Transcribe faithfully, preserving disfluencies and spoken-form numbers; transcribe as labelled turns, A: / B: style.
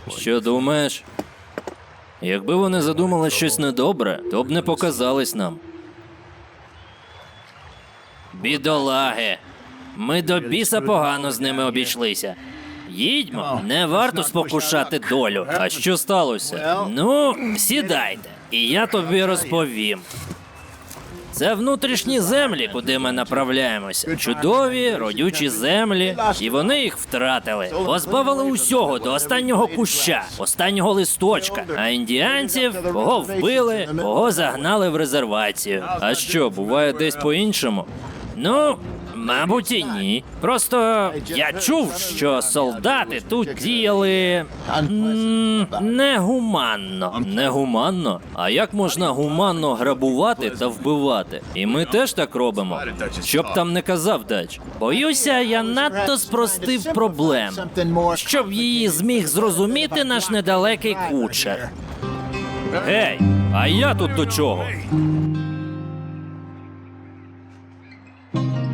A: Що думаєш? Якби вони задумали щось недобре, то б не показались нам. Бідолаги. Ми до біса погано з ними обійшлися. Їдьмо, не варто спокушати долю. А що сталося? Ну, сідайте, і я тобі розповім. Це внутрішні землі, куди ми направляємося. Чудові, родючі землі. І вони їх втратили. Позбавили усього до останнього куща, останнього листочка. А індіанців кого вбили, кого загнали в резервацію. А що, буває десь по-іншому? Ну, мабуть, і ні. Просто я чув, що солдати тут діяли м, негуманно. Негуманно? А як можна гуманно грабувати та вбивати? І ми теж так робимо. Щоб там не казав Дач. Боюся, я надто спростив проблему, щоб її зміг зрозуміти наш недалекий кучер. Гей, а я тут до чого?